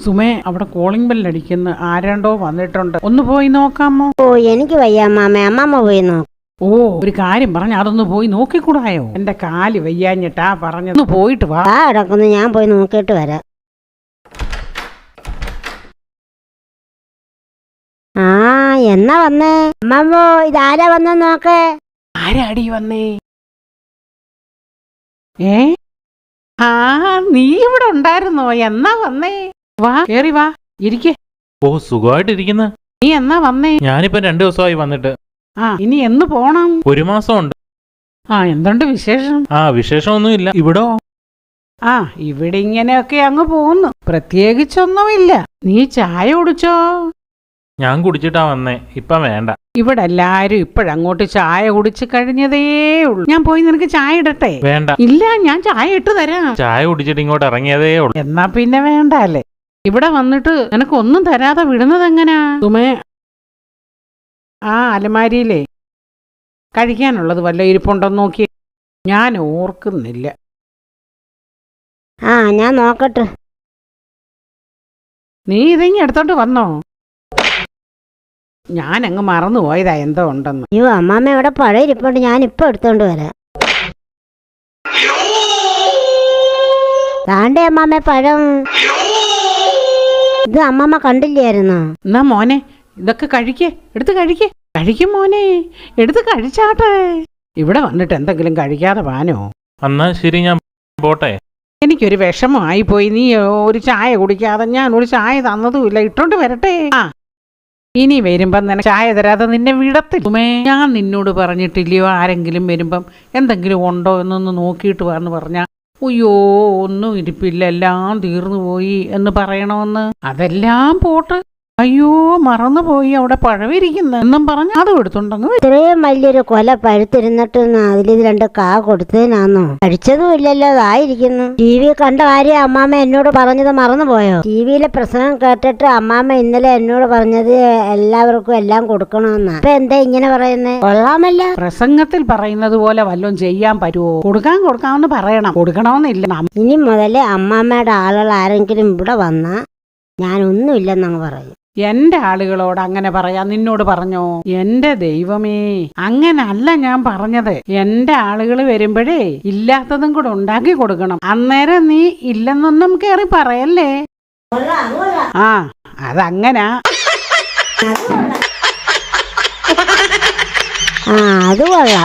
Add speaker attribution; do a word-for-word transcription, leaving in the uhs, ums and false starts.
Speaker 1: സുമേ, അവിടെ calling bell അടിക്കുന്നു. ആരാണ്ടോ വന്നിട്ടുണ്ട്. ഒന്ന് പോയി നോക്കാമോ?
Speaker 2: ഓ എനിക്ക് വയ്യ അമ്മാമ്മ, അമ്മാമ്മ പോയി നോക്ക്.
Speaker 1: ഓ, ഒരു കാര്യം പറഞ്ഞ അതൊന്ന് പോയി നോക്കിക്കൂടായോ? എന്റെ കാല് വയ്യാഞ്ഞിട്ടാ പറഞ്ഞത്. ഒന്ന് പോയിട്ട് വാ.
Speaker 2: ആ കിടക്കുന്നു, ഞാൻ പോയി നോക്കിയിട്ട് വരാം. ആ എന്നാ വന്നേ അമ്മാമ്മോ? ഇതാരാ വന്ന നോക്കേ.
Speaker 1: ആരാടി വന്നേ? ഏ ആ നീ ഇവിടെ ഉണ്ടായിരുന്നോ? എന്നാ വന്നേ? വാ, കേറി വാ, ഇരിക്കേ.
Speaker 3: ഓ, സുഖമായിട്ടിരിക്കുന്ന.
Speaker 1: നീ എന്നാ വന്നേ?
Speaker 3: ഞാനിപ്പോ രണ്ടു ദിവസമായി വന്നിട്ട്.
Speaker 1: ആ, ഇനി എന്ന് പോണം?
Speaker 3: ഒരു മാസം ഉണ്ട്.
Speaker 1: ആ, എന്തുണ്ട് വിശേഷം?
Speaker 3: ആ, വിശേഷമൊന്നുമില്ല. ഇവിടോ?
Speaker 1: ആ, ഇവിടെ ഇങ്ങനെയൊക്കെ അങ്ങ് പോകുന്നു. പ്രത്യേകിച്ചൊന്നുമില്ല. നീ ചായ കുടിച്ചോ?
Speaker 3: ഞാൻ കുടിച്ചിട്ടാ വന്നേ. ഇപ്പൊ വേണ്ട.
Speaker 1: ഇവിടെ എല്ലാരും ഇപ്പോഴങ്ങോട്ട് ചായ കുടിച്ച് കഴിഞ്ഞതേ ഉള്ളൂ. ഞാൻ പോയി നിനക്ക് ചായ ഇടട്ടെ?
Speaker 3: വേണ്ട.
Speaker 1: ഇല്ല, ഞാൻ ചായ ഇട്ട് തരാം.
Speaker 3: ചായ കുടിച്ചിട്ട് ഇങ്ങോട്ട് ഇറങ്ങിയതേ ഉള്ളൂ.
Speaker 1: എന്നാ പിന്നെ വേണ്ട അല്ലേ. ഇവിടെ വന്നിട്ട് നിനക്ക് ഒന്നും തരാതെ വിടുന്നത് എങ്ങനാ സുമേ? ആ അലമാരിയിലേ കഴിക്കാനുള്ളത് വല്ല ഇരിപ്പുണ്ടോന്ന് നോക്കി. ഞാൻ ഓർക്കുന്നില്ല.
Speaker 2: ആ ഞാൻ നോക്കട്ടെ.
Speaker 1: നീ ഇതെങ്ങി എടുത്തോണ്ട് വന്നോ? ഞാനങ്ങ് മറന്നു പോയതാ എന്തോ ഉണ്ടെന്ന്.
Speaker 2: അയ്യോ അമ്മാമ്മ ഇവിടെ പഴയ ഇരിപ്പുണ്ട്, ഞാൻ ഇപ്പൊ എടുത്തോണ്ട് വരാം. താണ്ടേ അമ്മാമ്മ പഴം. ഇത് അമ്മാമ്മ കണ്ടില്ലായിരുന്നോ?
Speaker 1: എന്നാ മോനെ, ഇതൊക്കെ കഴിക്കേ, എടുത്ത് കഴിക്കേ. കഴിക്കും മോനെ, എടുത്ത് കഴിച്ചാട്ടെ. ഇവിടെ വന്നിട്ട് എന്തെങ്കിലും കഴിക്കാതെ പാനോ?
Speaker 3: എന്നാ ശരി, ഞാൻ പോട്ടെ.
Speaker 1: എനിക്കൊരു വിഷമമായി പോയി. നീ ഒരു ചായ കുടിക്കാതെ ഞാൻ ഒരു ചായ തന്നതുമില്ല. ഇട്ടോണ്ട് വരട്ടെ. ആ, ഇനി വരുമ്പം നിനക്ക് ചായ തരാതെ നിന്നെ വിടത്തില്ല. ഞാൻ നിന്നോട് പറഞ്ഞിട്ടില്ലയോ ആരെങ്കിലും വരുമ്പം എന്തെങ്കിലും ഉണ്ടോ എന്നൊന്ന് നോക്കിയിട്ട് വന്ന് പറഞ്ഞാ അയ്യോ ഒന്നും ഇരിപ്പില്ല, എല്ലാം തീർന്നു പോയി എന്ന് പറയണമെന്ന്. അതെല്ലാം പോട്ട്. അയ്യോ മറന്നുപോയി, അവിടെ പഴവിരിക്കുന്നു എന്നും പറഞ്ഞ് അതും എടുത്തുണ്ടെങ്കിൽ
Speaker 2: ഇത്രയും വലിയൊരു കൊല പഴുത്തിരുന്നിട്ട് അതിലിത് രണ്ട് കാ കൊടുത്തതിനാന്നോ? കഴിച്ചതും ഇല്ലല്ലോ, അതായിരിക്കുന്നു. ടി വി കണ്ട കാര്യം അമ്മാമ്മ എന്നോട് പറഞ്ഞത് മറന്നുപോയോ? ടി വിയിലെ പ്രസംഗം കേട്ടിട്ട് അമ്മാമ്മ ഇന്നലെ എന്നോട് പറഞ്ഞത് എല്ലാവർക്കും എല്ലാം കൊടുക്കണമെന്നാ. ഇപ്പൊ എന്താ ഇങ്ങനെ പറയുന്നേ? കൊള്ളാമല്ല.
Speaker 1: പ്രസംഗത്തിൽ പറയുന്നത് പോലെ വല്ലതും ചെയ്യാൻ പറ്റുമോ? കൊടുക്കാൻ കൊടുക്കാമെന്ന് പറയണം, കൊടുക്കണമെന്നില്ല.
Speaker 2: ഇനി മുതല് അമ്മാമ്മയുടെ ആളുകൾ ആരെങ്കിലും ഇവിടെ വന്നാ ഞാനൊന്നുമില്ലെന്നങ്ങ് പറയും.
Speaker 1: എന്റെ ആളുകളോട് അങ്ങനെ പറയാൻ നിന്നോട് പറഞ്ഞോ? എന്റെ ദൈവമേ, അങ്ങനല്ല ഞാൻ പറഞ്ഞത്. എന്റെ ആളുകൾ വരുമ്പോഴേ ഇല്ലാത്തതും കൂടെ ഉണ്ടാക്കി കൊടുക്കണം. അന്നേരം നീ ഇല്ലെന്നൊന്നും കേറി പറയല്ലേ. ആ, അതങ്ങനാ.
Speaker 2: ആ അത് കൊള്ളാം.